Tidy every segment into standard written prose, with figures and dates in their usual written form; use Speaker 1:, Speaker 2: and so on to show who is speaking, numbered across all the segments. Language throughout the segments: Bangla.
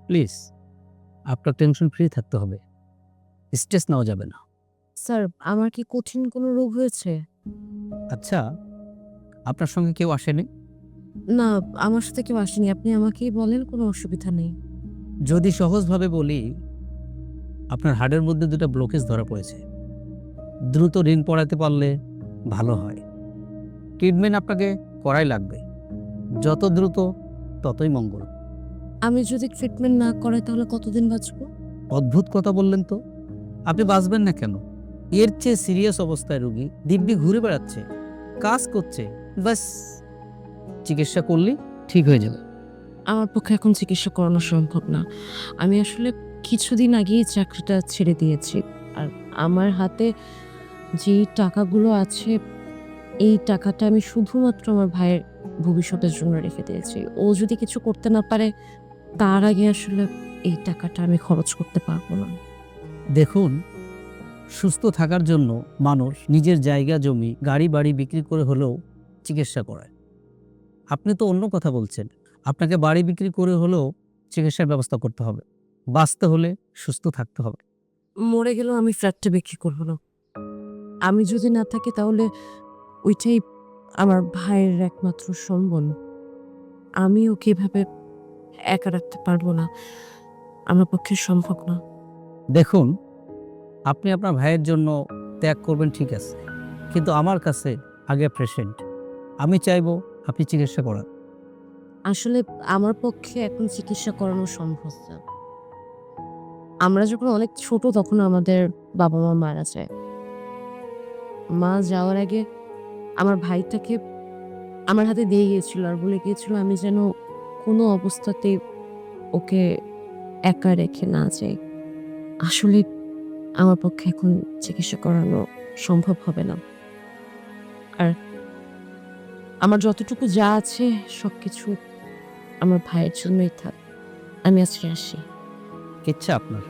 Speaker 1: প্লিজ আপনার টেনশন ফ্রি থাকতে হবে, স্ট্রেস নেওয়া যাবে না।
Speaker 2: স্যার, আমার কি কঠিন কোনো রোগ হয়েছে?
Speaker 1: আচ্ছা, আপনার সঙ্গে কেউ আসেনি?
Speaker 2: না, আমার সাথে কেউ আসেনি। আপনি আমাকেই বলেন, কোনো অসুবিধা নেই।
Speaker 1: যদি সহজভাবে বলি, আপনার হাড়ের মধ্যে দুটো ব্লকেজ ধরা পড়েছে। দ্রুত ঋণ পড়াতে পারলে ভালো হয়। ট্রিটমেন্ট আপনাকে করাই লাগবে, যত দ্রুত ততই মঙ্গল।
Speaker 2: আমি যদি ট্রিটমেন্ট না করাই তাহলে কতদিন বাঁচবো?
Speaker 1: অদ্ভুত কথা বললেন তো। আপনি বাঁচবেন না কেন? এর চেয়ে সিরিয়াস অবস্থায় রোগী দিব্যি ঘুরে বেড়াচ্ছে, কাজ করছে, বাস চিকিৎসা করলেই ঠিক হয়ে যাবে।
Speaker 2: আমার পক্ষে এখন চিকিৎসা করানো সম্ভব না। আমি আসলে কিছুদিন আগেই চাকরিটা ছেড়ে দিয়েছি। আর আমার হাতে যেই টাকাগুলো আছে, এই টাকাটা আমি শুধুমাত্র আমার ভাইয়ের ভবিষ্যতের জন্য রেখে দিয়েছি। ও যদি কিছু করতে না পারে, তার আগে আসলে এই টাকাটা আমি খরচ করতে পারবো না।
Speaker 1: দেখুন, সুস্থ থাকার জন্য মানুষ নিজের জায়গা জমি গাড়ি বাড়ি বিক্রি করে হলেও চিকিৎসা করায়। আপনি তো অন্য কথা বলছেন। আপনাকে বাড়ি বিক্রি করে হলেও চিকিৎসার ব্যবস্থা করতে হবে। বাঁচতে হলে সুস্থ থাকতে হবে।
Speaker 2: মরে গেলেও আমি ফ্ল্যাটটা বিক্রি করবো না। আমি যদি না থাকি তাহলে ওইটাই আমার ভাইয়ের একমাত্র সম্বল। আমি ওকে এভাবে একা রাখতে পারবো না। আমার পক্ষে সম্ভব না।
Speaker 1: দেখুন, আপনি আপনার ভাইয়ের জন্য ত্যাগ করবেন ঠিক আছে, কিন্তু আমার কাছে আগে পেশেন্ট। আমি চাইবো আপনি চিকিৎসা করান।
Speaker 2: আসলে আমার পক্ষে এখন চিকিৎসা করানো সম্ভব না। আমরা যখন অনেক ছোট তখন আমাদের বাবা-মা মারা যায়। মা যাওয়ার আগে আমার ভাইটাকে আমার হাতে দিয়ে গিয়েছিল আর বলে গিয়েছিল আমি যেন কোনো অবস্থাতেই ওকে একা রেখে না যাই। আসলে আমার পক্ষে এখন চিকিৎসা করানো সম্ভব হবে না। আর আমার যতটুকু যা আছে সবকিছু আমার ভাইয়ের জন্যই থাক। আমি আজকে আসি।
Speaker 1: ইচ্ছা আপনার।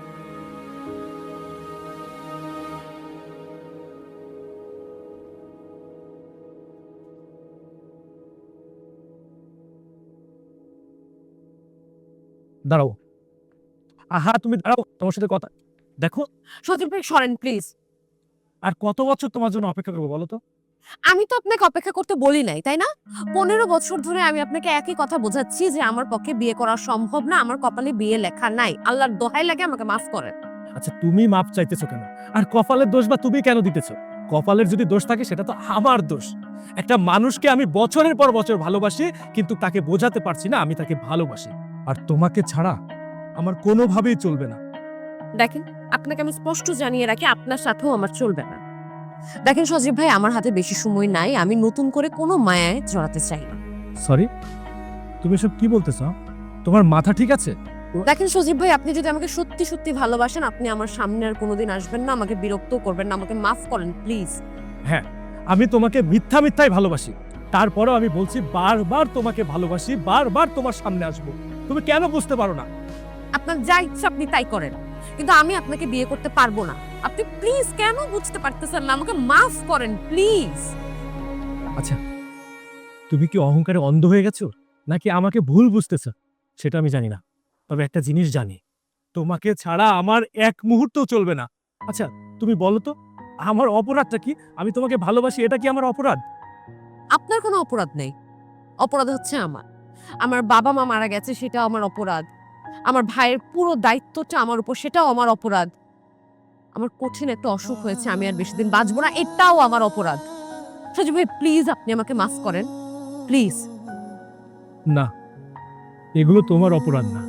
Speaker 3: দাঁড়াও। আহা, তুমি দাঁড়াও, তোমার সাথে কথা। দেখো,
Speaker 2: সজীব ভাই সরেন প্লিজ।
Speaker 3: আর কত বছর তোমার জন্য অপেক্ষা করবো বলো তো?
Speaker 2: আমি তো আপনাকে অপেক্ষা করতে বলি নাই, তাই না? 15 বছর ধরে আমি আপনাকে একই কথা বোঝাচ্ছি যে আমার পক্ষে বিয়ে করা সম্ভব না, আমার কপালে বিয়ে লেখা নাই। আল্লাহর দোহাই লাগে আমাকে মাফ করেন।
Speaker 3: আচ্ছা, তুমি মাপ চাইতেছো কেন? আর কপালের দোষ বা তুমি কেন দিতেছো? কপালের যদি দোষ থাকে সেটা তো আমার দোষ। একটা মানুষকে আমি বছরের পর বছর ভালোবাসি, কিন্তু তাকে বোঝাতে পারছি না আমি তাকে ভালোবাসি। আর তোমাকে ছাড়া আমার কোনোভাবেই চলবে না।
Speaker 2: দেখেন, আপনাকে আমি স্পষ্ট জানিয়ে রাখি আপনার সাথেও আমার চলবে না। দেখেন সজীব ভাই, আমার হাতে বেশি সময় নাই। আমি নতুন করে কোনো মায়ায় জড়াতে চাই না।
Speaker 3: সরি, তুমি সব কি বলতেছো? তোমার মাথা ঠিক আছে?
Speaker 2: দেখেন সজীব ভাই, আপনি যদি আমাকে সত্যি সত্যি ভালোবাসেন, আপনি আমার সামনে আর কোনোদিন আসবেন না, আমাকে বিরক্ত করবেন না, আমাকে মাফ করেন প্লিজ।
Speaker 3: হ্যাঁ, আমি তোমাকে মিথ্যা মিথ্যাই ভালোবাসি। তারপরেও আমি বলছি বারবার তোমাকে ভালোবাসি, বারবার তোমার সামনে আসবো। তুমি কেন বুঝতে পারো না?
Speaker 2: আপনার যা ইচ্ছা আপনি তাই করেন, কিন্তু আমি আপনাকে বিয়ে করতে পারবো না। আপনি প্লিজ কেন বুঝতে পারতেছেন না? আমাকে মাফ করেন প্লিজ।
Speaker 3: আচ্ছা, তুমি কি অহংকারে অন্ধ হয়ে গেছো, নাকি আমাকে ভুল বুঝতেছো সেটা আমি জানি না। তবে একটা জিনিস জানি, তোমাকে ছাড়া আমার এক মুহূর্তও চলবে না। আচ্ছা, তুমি বলো তো, আমার অপরাধটা কি? আমি তোমাকে ভালোবাসি, এটা কি আমার অপরাধ?
Speaker 2: আপনার কোনো অপরাধ নেই। অপরাধ হচ্ছে আমার। আমার বাবা মা মারা গেছে, সেটাও আমার অপরাধ। আমার ভাইয়ের পুরো দায়িত্বটা আমার উপর, সেটাও আমার অপরাধ। আমার কঠিন একটা অসুখ হয়েছে, আমি আর বেশি দিন বাঁচবো না, এটাও আমার অপরাধ। সজীব ভাই প্লিজ আপনি আমাকে মাফ করেন প্লিজ।
Speaker 3: না, এগুলো তোমার অপরাধ না।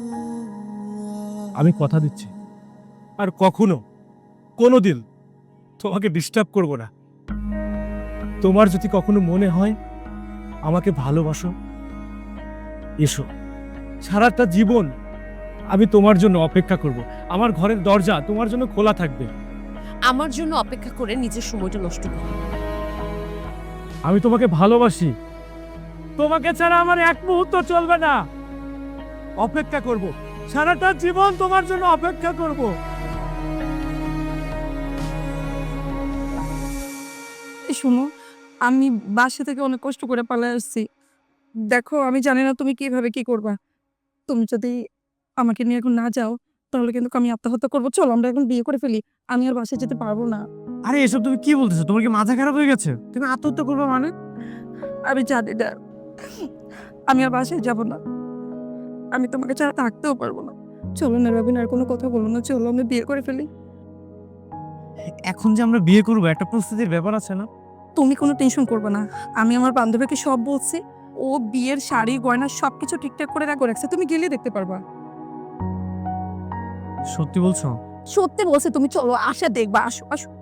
Speaker 3: আমি কথা দিচ্ছি, আর কখনো কোনোদিন তোমাকে ডিস্টার্ব করব না। তোমার যদি কখনো মনে হয় আমাকে ভালোবাসো, এসো। সারাটা জীবন আমি তোমার জন্য অপেক্ষা করব। আমার ঘরের দরজা তোমার জন্য খোলা থাকবে।
Speaker 2: আমার জন্য অপেক্ষা করে নিজের সময়টা নষ্ট করুন।
Speaker 3: আমি তোমাকে ভালোবাসি, তোমাকে ছাড়া আমার এক মুহূর্ত চলবে না। অপেক্ষা করব, সারাটা জীবন তোমার জন্য অপেক্ষা করব।
Speaker 4: শোনো, আমি বাসা থেকে অনেক কষ্ট করে পালিয়ে আসছি। দেখো, আমি জানি না তুমি কিভাবে কি করবা। তুমি যদি আমাকে নিয়ে এখন না যাও তাহলে কিন্তু আমি আত্মহত্যা করবো। চলো আমরা এখন বিয়ে করে ফেলি। আমি আর বাসায় যেতে পারবো না।
Speaker 5: আরে এসব তুমি কি বলতেছো? তোমার কি মাথা খারাপ হয়ে গেছে? তুমি আত্মহত্যা করবে মানে?
Speaker 4: আমি জানি না, আমি আর বাসায় যাব না। আমি তোমাকে ছাড়া থাকতেও পারবো না। চলো না রবিন, আর কোনো কথা বলো না, চলো আমরা বিয়ে করে ফেলি।
Speaker 5: এখন যে আমরা বিয়ে করবো একটা প্রস্তুতির ব্যাপার আছে না?
Speaker 4: তুমি কোনো টেনশন করবে না, আমি আমার বান্ধবীকে সব বলছি। ও বিয়ের শাড়ি গয়না সবকিছু ঠিকঠাক করে রাখছে, তুমি গেলে দেখতে পারবা।
Speaker 5: সত্যি বলছো?
Speaker 4: সত্যি বলছে, তুমি চলো, আসা দেখবা, আসো আসো।